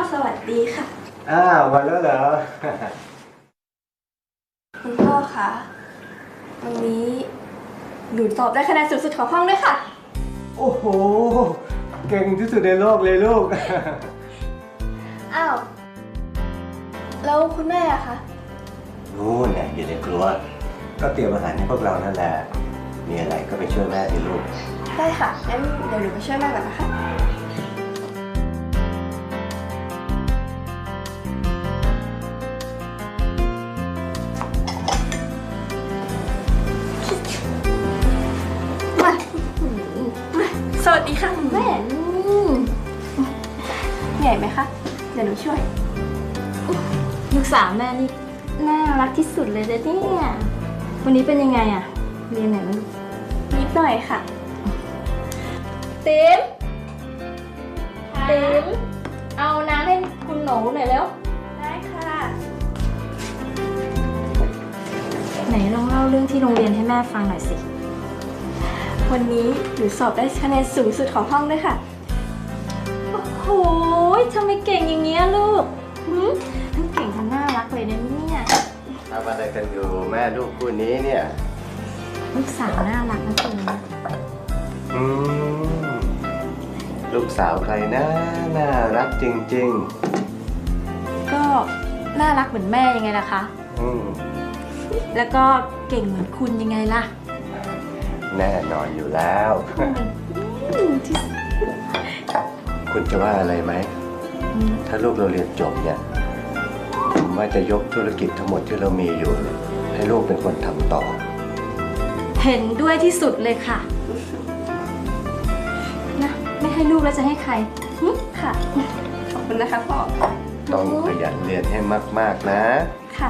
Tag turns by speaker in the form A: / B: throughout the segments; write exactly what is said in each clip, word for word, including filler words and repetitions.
A: สวัสดีค่ะ
B: อ้าววันแล้วเหรอ
A: คุณพ่อคะวันนี้หนูสอบได้คะแนนสูงสุดของห้องด้วยค่ะ
B: โอ้โหเก่งที่สุดในโลกเลยลูก
A: อ้าวแล้วคุณแม่อะคะ
B: นู่นเนี่ยอยู่ในครัวก็เตรียมอาหารให้พวกเรานั่นแหละมีอะไรก็ไปช่วยแม่สิลูก
A: ได้ค่ะงั้นเดี๋ยวหนูไปช่วยแม่ก่อนนะคะมามาสวัสดีค่ะคุณแม่เหนื่อยไหมคะเดี๋ยวหนูช่วย
C: ลูกสาวแม่นี่น่ารักที่สุดเลยนะเนี่ยวันนี้เป็นยังไงอะเรียนไหนมาลูก
A: นิดหน่อยค่ะ
C: ติ๋มติ๋มเอาน้ำให้คุณหนูหน่อยแล้ว
A: ได้ค่ะ
C: ไหนลองเล่าเรื่องที่โรงเรียนให้แม่ฟังหน่อยสิ
A: วันนี้หนูสอบได้คะแนนสูงสุดของห้องด้วยค่ะ
C: โอ้โหทำไมเก่งอย่างเงี้ยลูกทั้งเก่งทั้งน่ารักเลยนะเนี่ย
B: ทำอะไรกันอยู่แม่ลูกคู่นี้เนี่ย
C: ลูกสาวน่ารักนะคุณ
B: อืมลูกสาวใครนะน่ารักจริง
C: ๆก็น่ารักเหมือนแม่ยังไงล่ะคะ
B: อืม
C: แล้วก็เก่งเหมือนคุณยังไงล่ะ
B: แน่นอนอยู่แล้วคุณจะว่าอะไรไหมถ้าลูกเราเรียนจบเนี่ยผมว่าจะยกธุรกิจทั้งหมดที่เรามีอยู่ให้ลูกเป็นคนทำต่อ
C: เห็นด้วยที่สุดเลยค่ะนะไม่ให้ลูกแล้วจะให้ใคร
A: ค่ะขอบคุณนะคะพ่อ
B: ต้องขยันเรียนให้มากๆนะ
A: ค่ะ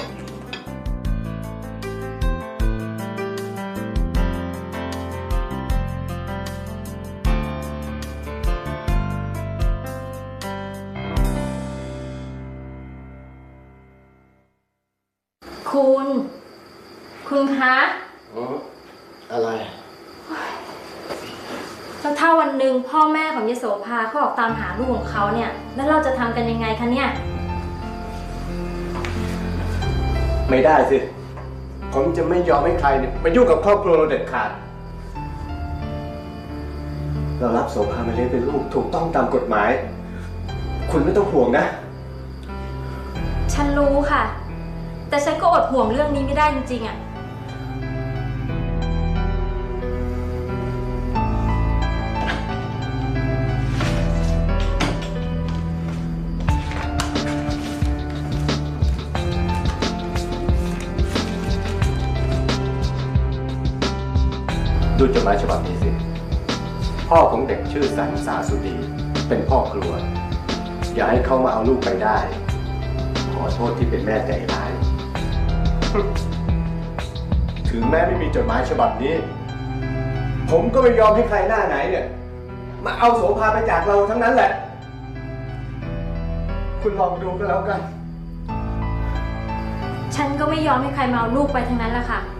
C: คุณคุณคะ
B: อะไร
C: แล้วถ้าวันหนึ่งพ่อแม่ของยโสภาเขาออกตามหาลูกของเขาเนี่ยแล้วเราจะทำกันยังไงคะเนี่ย
B: ไม่ได้สิผมจะไม่ยอมให้ใครเนี่ยมายุ่งกับครอบครัวเราเด็ดขาดเรารับโสภามาเลี้ยงเป็นลูกถูกต้องตามกฎหมายคุณไม่ต้องห่วงนะ
C: ฉันรู้ค่ะแต่ฉันก็อดห่วงเรื่องนี้ไม่ได้จริงๆอ่ะ
B: ดูจดหมายฉบับนี้สิพ่อของเด็กชื่อสันสาสุดีเป็นพ่อครัวอย่าให้เขามาเอาลูกไปได้ขอโทษที่เป็นแม่ใจร้ายถึงแม้ไม่มีจดหมายฉบับนี้ผมก็ไม่ยอมให้ใครหน้าไหนเนี่ยมาเอาโสภาไปจากเราทั้งนั้นแหละคุณลองดูก็แล้วกัน
C: ฉันก็ไม่ยอมให้ใครมาเอาลูกไปทั้งนั้นแหละค่ะ